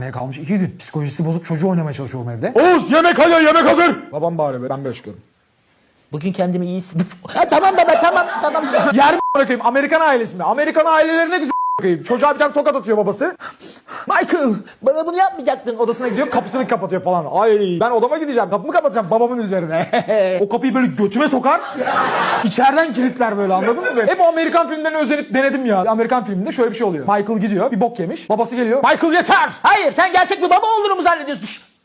Kalmış 2 gün. Psikolojisi bozuk çocuğu oynamaya çalışıyorum evde. Oğuz yemek hazır, yemek hazır. Babam bağırıyor, ben böyle çıkıyorum. Bugün kendimi iyi hissediyorum. Tamam baba tamam. Yer mi bırakayım? Amerikan ailesi mi? Amerikan ailelerine güzel bırakayım. Çocuğa bir tane tokat atıyor babası. Michael bana bunu yapmayacaktın. Odasına gidiyor, kapısını kapatıyor falan. Ay ben odama gideceğim, kapımı kapatacağım babamın üzerine. O kapıyı böyle götüme sokar. İçeriden kilitler böyle, anladın mı? Hep o Amerikan filmlerine özenip denedim ya. Amerikan filminde şöyle bir şey oluyor. Michael gidiyor, bir bok yemiş. Babası geliyor. Michael yeter! Hayır sen gerçek bir baba olduğunu mu zannediyorsun?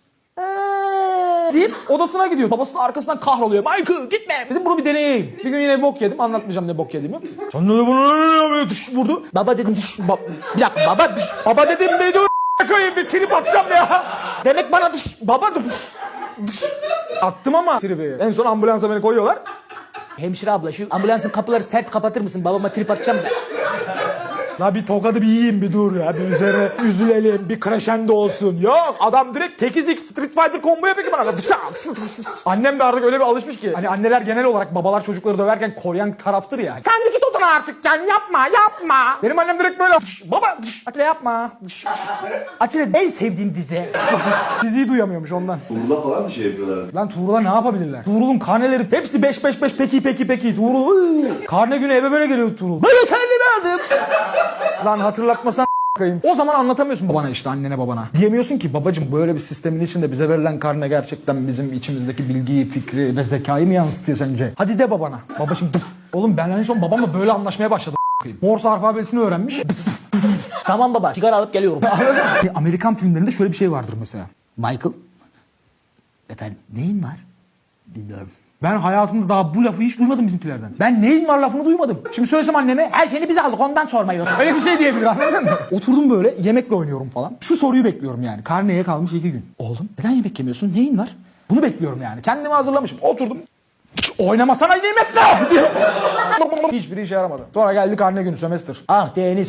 Deyip odasına gidiyor. Babasının arkasından kahroluyor. Michael gitme. Dedim bunu bir deneyeyim. Bir gün yine bok yedim. Anlatmayacağım ne bok yediğimi. Sen ne bunu vurdu. Baba dedim Bir dakika baba. Baba dedim ne dur koyayım, bir trip atacağım ya. demek bana Baba attım ama tribi. En son ambulansa beni koyuyorlar. Hemşire abla şu ambulansın kapıları sert kapatır mısın? Babama trip atacağım da. La bir tokadı bir yiyeyim, bir dur ya. Bir üzerine üzülelim, bir crescendo olsun. Yok adam direkt 8x Street Fighter combo yapıyor ki bana. Annem de artık öyle bir alışmış ki. Hani anneler genel olarak babalar çocukları döverken koruyan taraftır ya. Sen de git odana artık yani yapma. Benim annem direkt böyle baba Atilla yapma. Atilla en sevdiğim dizi. Diziyi duyamıyormuş ondan. Tuğla falan bir şey yapıyorlar. Lan Tuğrul'a ne yapabilirler? Tuğrul'un karneleri hepsi 5 peki. Tuğrul karne günü eve böyle geliyor Tuğrul. Böyle kendimi aldım. Lan hatırlatmasan kayım. O zaman anlatamıyorsun babana, işte annene babana. Diyemiyorsun ki babacım böyle bir sistemin içinde bize verilen karne gerçekten bizim içimizdeki bilgiyi, fikri ve zekayı mı yansıtıyor sence? Hadi de babana. Baba şimdi oğlum ben en son babamla böyle anlaşmaya başladım. Morse alfabesini öğrenmiş. Tamam baba sigara alıp geliyorum. Amerikan filmlerinde şöyle bir şey vardır mesela. Michael. Efendim neyin var? Bilmiyorum. Ben hayatımda daha bu lafı hiç duymadım bizimkilerden. Ben neyin var lafını duymadım. Şimdi söylesem anneme Her şeyini biz aldık ondan sormayın. öyle bir şey diyebilir, anladın mı? Oturdum böyle yemekle oynuyorum falan. Şu soruyu bekliyorum yani. Karneye kalmış 2 gün. Oğlum neden yemek yemiyorsun? Neyin var? Bunu bekliyorum yani. Kendimi hazırlamışım. Oturdum. Oynamasana yemekle diye. Hiçbiri işe yaramadı. Sonra geldi karne günü, sömestr. Ah Deniz.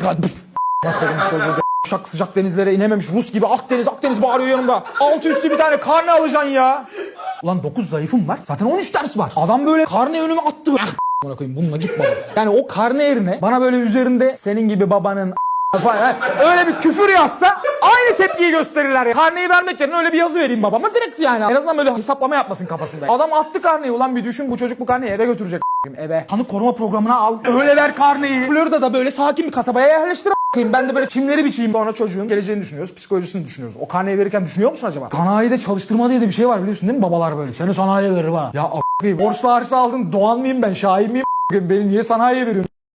Uşak sıcak denizlere inememiş Rus gibi Akdeniz bağırıyor yanımda. Altı üstü bir tane karne alacaksın ya. Ulan 9 zayıfım var. Zaten 13 ders var. Adam böyle karne önüme attı. Buna koyayım, bununla git baba. Yani o karne yerine bana böyle üzerinde senin gibi babanın falan öyle bir küfür yazsa aynı tepkiyi gösterirler ya. Karneyi vermek yerine öyle bir yazı vereyim babama direkt yani. En azından böyle hesaplama yapmasın kafasında. Adam attı karneyi, ulan bir düşün, bu çocuk bu karneyi eve götürecek eve. Tanık koruma programına al. Öyle ver karneyi. Florida'da böyle sakin bir kasabaya yerleştir ben de böyle çimleri biçeyim. Sonra çocuğun geleceğini düşünüyoruz, psikolojisini düşünüyoruz. O karneyi verirken düşünüyor musun acaba? Sanayide çalıştırma diye de bir şey var, biliyorsun değil mi? Babalar böyle. Seni sanayiye verir ha. Ya borçlu harçlı aldın, Doğan mıyım ben? Şahin miyim? Beni niye sanayiye veriyorsun?